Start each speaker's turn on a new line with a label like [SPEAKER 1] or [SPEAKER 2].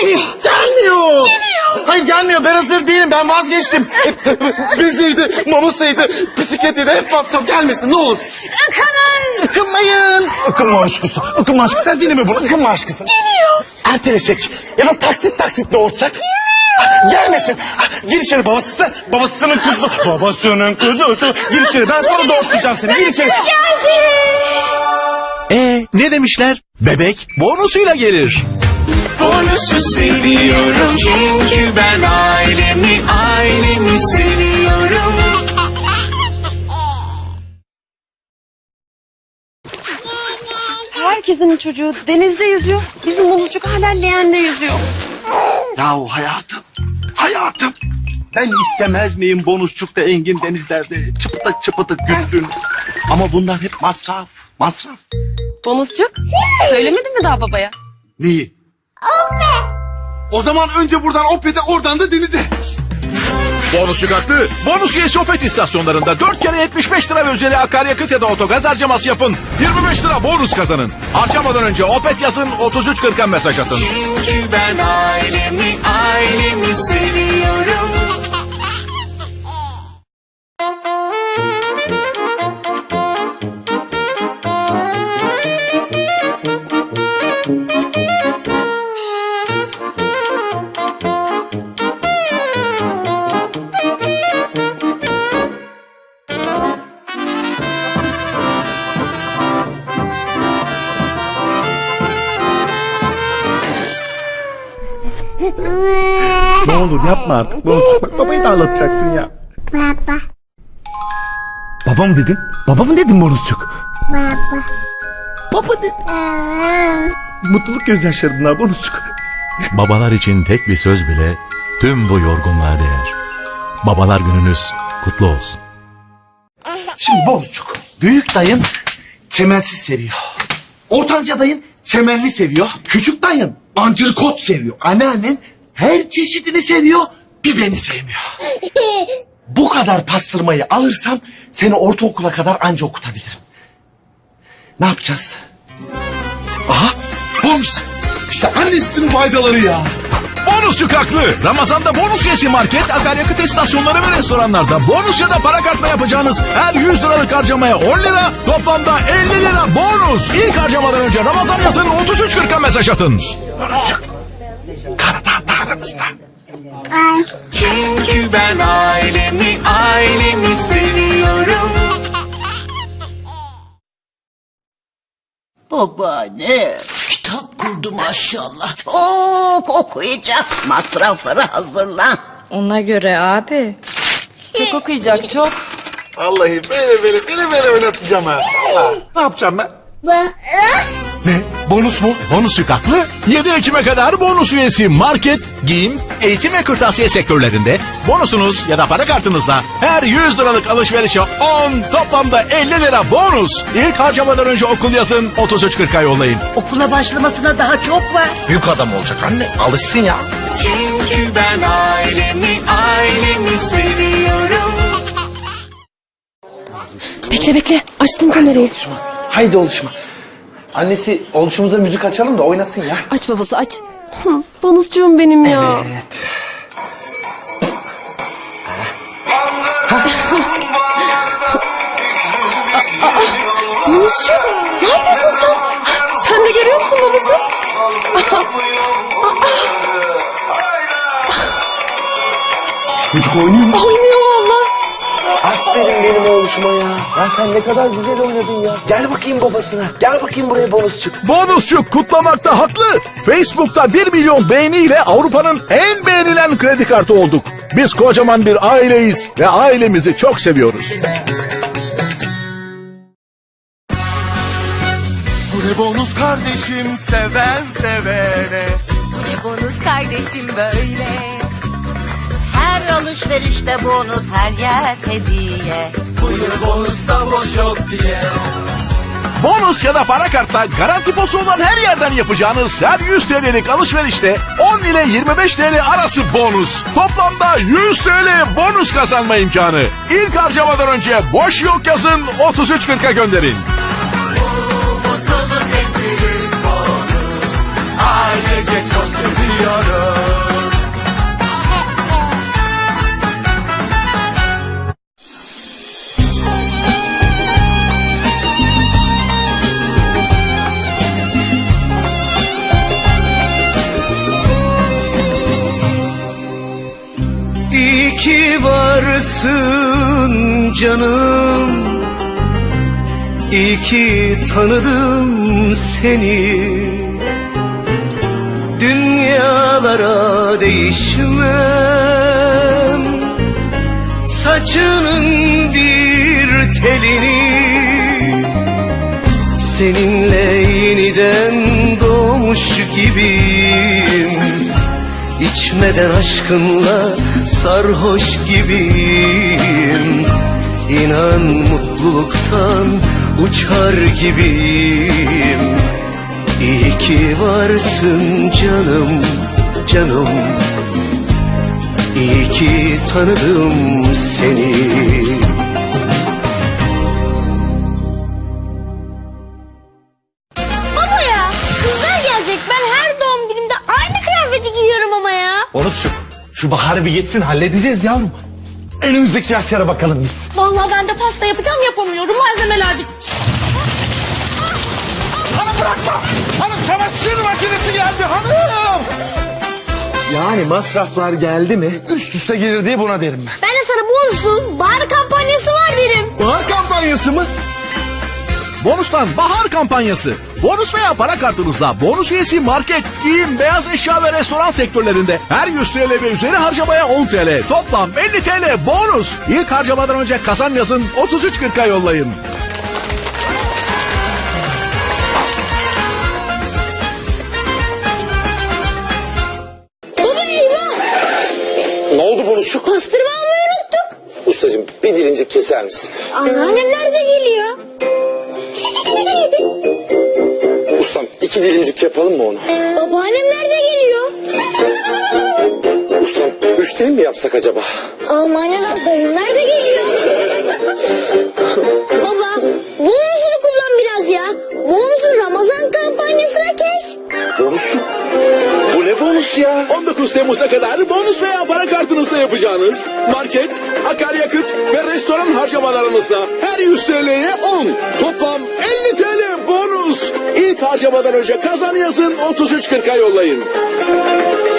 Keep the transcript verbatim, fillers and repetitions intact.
[SPEAKER 1] Geliyor.
[SPEAKER 2] Gelmiyor. Geliyor. Hayır gelmiyor, ben hazır değilim, ben vazgeçtim. Biziydi, mamusaydı, bisikletiydi, hep masraf, gelmesin ne olur.
[SPEAKER 1] Ikının.
[SPEAKER 2] Ikınmayın. Ikınma aşkısı, ıkınma aşkısı, sen dinleme bunu, ıkınma aşkısı.
[SPEAKER 1] Geliyor.
[SPEAKER 2] Ertelesek ya da taksit taksit ne olacak? Gelmesin. Gir içeri, babası, babasının kuzusu. Babasının kuzusu. Gir içeri, ben sonra doğurtacağım seni, gir içeri.
[SPEAKER 1] Geldi.
[SPEAKER 3] Ee, ne demişler? Bebek bonusuyla gelir.
[SPEAKER 4] Bonusu seviyorum çünkü ben ailemi, ailemi seviyorum.
[SPEAKER 1] Herkesin çocuğu denizde yüzüyor. Bizim Bonuscuk hala leğende yüzüyor.
[SPEAKER 3] Yahu hayatım, hayatım. Ben istemez miyim bonusçukta engin denizlerde çıpıtık çıpıtık yüzsün. Ama bunlar hep masraf, masraf.
[SPEAKER 1] Bonuscuk söylemedin mi daha babaya?
[SPEAKER 3] Neyi?
[SPEAKER 2] O zaman önce buradan Opet'e, oradan da denize.
[SPEAKER 5] Bonusçuk haklı. Bonus üyesi Opet istasyonlarında dört kere yetmiş beş lira ve üzeri akaryakıt ya da otogaz harcaması yapın. yirmi beş lira bonus kazanın. Harcamadan önce Opet yazın, otuz üç kırka mesaj atın.
[SPEAKER 4] Çünkü ben ailemi, ailemi seviyorum.
[SPEAKER 2] Ne olur yapma artık. Bonusçuk, bak babayı da ağlatacaksın ya.
[SPEAKER 6] Baba.
[SPEAKER 2] Baba mı dedin? Baba mı dedin Bonusçuk?
[SPEAKER 6] Baba.
[SPEAKER 2] Baba dedin. Mutluluk gözyaşları bunlar Bonusçuk.
[SPEAKER 5] Babalar için tek bir söz bile tüm bu yorgunluğa değer. Babalar gününüz kutlu olsun.
[SPEAKER 2] Şimdi Bonusçuk, büyük dayın çemensiz seviyor. Ortanca dayın çemenli seviyor. Küçük dayın antrikot seviyor. Anneannen her çeşidini seviyor, bir beni sevmiyor. Bu kadar pastırmayı alırsam seni ortaokula kadar anca okutabilirim. Ne yapacağız? Aha, bonus. İşte anne sütünün faydaları ya.
[SPEAKER 5] Bonusçuk haklı. Ramazan'da bonus üyesi market, akaryakıt istasyonları ve restoranlarda bonus ya da para kartla yapacağınız her yüz liralık harcamaya on lira, toplamda elli lira bonus. İlk harcamadan önce Ramazan yazın, otuz üç kırka mesaj atın.
[SPEAKER 2] Bonusçuk. Karadağ aramızda.
[SPEAKER 4] Çünkü ben ailemi, ailemi seviyorum.
[SPEAKER 7] Babaanne, kitap kurdu maşallah. Çok okuyacak. Masrafları hazırla.
[SPEAKER 8] Ona göre abi.
[SPEAKER 1] Çok okuyacak çok.
[SPEAKER 2] Vallahi böyle böyle böyle böyle oynatacağım ha. Vallahi. Ne yapacağım ben? Ne? Bonus mu?
[SPEAKER 5] Bonusçuk haklı. yedi Ekim'e kadar bonus üyesi market, giyim, eğitim ve kırtasiye sektörlerinde bonusunuz ya da para kartınızla her yüz liralık alışverişe on, toplamda elli lira bonus. İlk harcamadan önce okul yazın, otuz üç kırka yollayın.
[SPEAKER 7] Okula başlamasına daha çok var.
[SPEAKER 2] Büyük adam olacak anne. Alışsın ya.
[SPEAKER 4] Çünkü ben ailemi, ailemi seviyorum.
[SPEAKER 1] Bekle bekle açtım kamerayı.
[SPEAKER 2] Haydi oluşma. Annesi oluşumuza müzik açalım da oynasın ya.
[SPEAKER 1] Aç babası aç. Hı, Bonuscuğum benim ya.
[SPEAKER 2] Evet.
[SPEAKER 1] Bonuscuğum ne yapıyorsun sen? Sen de görüyor musun babası?
[SPEAKER 2] Çocuk oynuyor mu?
[SPEAKER 1] Oynuyor valla.
[SPEAKER 2] Aferin benim oğluşuma ya. Ya sen ne kadar güzel oynadın ya. Gel bakayım babasına. Gel bakayım buraya bonusçuk.
[SPEAKER 5] Bonusçuk kutlamakta haklı. Facebook'ta bir milyon beğeniyle Avrupa'nın en beğenilen kredi kartı olduk. Biz kocaman bir aileyiz ve ailemizi çok seviyoruz.
[SPEAKER 2] Bu ne bonus kardeşim, seven sevene.
[SPEAKER 9] Bu ne bonus kardeşim böyle.
[SPEAKER 7] Her alışverişte bonus, her yer hediye.
[SPEAKER 4] Buyur bonusta boş yok diye.
[SPEAKER 5] Bonus ya da para kartla garanti posu olan her yerden yapacağınız her yüz T L'lik alışverişte on ile yirmi beş T L arası bonus. Toplamda yüz T L bonus kazanma imkanı. İlk harcamadan önce boş yok yazın, otuz üç kırka gönderin.
[SPEAKER 4] Mutluluk en büyük bonus. Ailece çok seviyoruz.
[SPEAKER 6] varsın canım, İyi ki tanıdım seni. Dünyalara değişmem, saçının bir telini. Seninle yeniden doğmuş gibiyim, İçmeden aşkınla sarhoş gibiyim. İnan mutluluktan uçar gibiyim. İyi ki varsın canım, canım, İyi ki tanıdım seni.
[SPEAKER 10] Baba ya, kızlar gelecek. Ben her doğum günümde aynı kıyafeti giyiyorum ama ya.
[SPEAKER 2] Bonusçuk, şu baharı bir geçsin, halledeceğiz yavrum. Önümüzdeki yaşlara bakalım biz.
[SPEAKER 1] Vallahi ben de pasta yapacağım, yapamıyorum. Malzemeler bitmiş.
[SPEAKER 5] Hanım bırakma. Hanım çamaşır makinesi geldi hanım.
[SPEAKER 2] Yani masraflar geldi mi üst üste gelir diye buna derim ben.
[SPEAKER 10] Ben de sana bonusun bahar kampanyası var derim.
[SPEAKER 2] Bahar kampanyası mı?
[SPEAKER 5] Bonus'tan bahar kampanyası. Bonus veya para kartınızla bonus üyesi market, giyim, beyaz eşya ve restoran sektörlerinde her yüz TL ve üzeri harcamaya on TL. Toplam elli TL bonus. İlk harcamadan önce kazan yazın, otuz üç kırka yollayın.
[SPEAKER 10] Baba eyvah.
[SPEAKER 2] Ne oldu Bonusçuk?
[SPEAKER 10] Pastırma almayı unuttuk.
[SPEAKER 2] Ustacığım bir dilincik keser misin?
[SPEAKER 10] Anneannem nerede geliyor?
[SPEAKER 2] Ustam iki dilincik yapalım mı onu?
[SPEAKER 10] Babaannem nerede geliyor?
[SPEAKER 2] Ustam üç dilim mi yapsak acaba?
[SPEAKER 10] Almanya'dan dayım nerede geliyor? Baba bonusunu kullan biraz ya. Bonusun Ramazan kampanyasına kes.
[SPEAKER 2] Bonusçuk bu ne bonus ya?
[SPEAKER 5] on dokuz Temmuz'a kadar bonus veya para kartınızla yapacağınız market, akaryakıt ve restoran harcamalarımızda her yüz TL'ye on. Toplam elli TL bonus. İlk harcamadan önce kazan yazın, otuz üç kırka yollayın.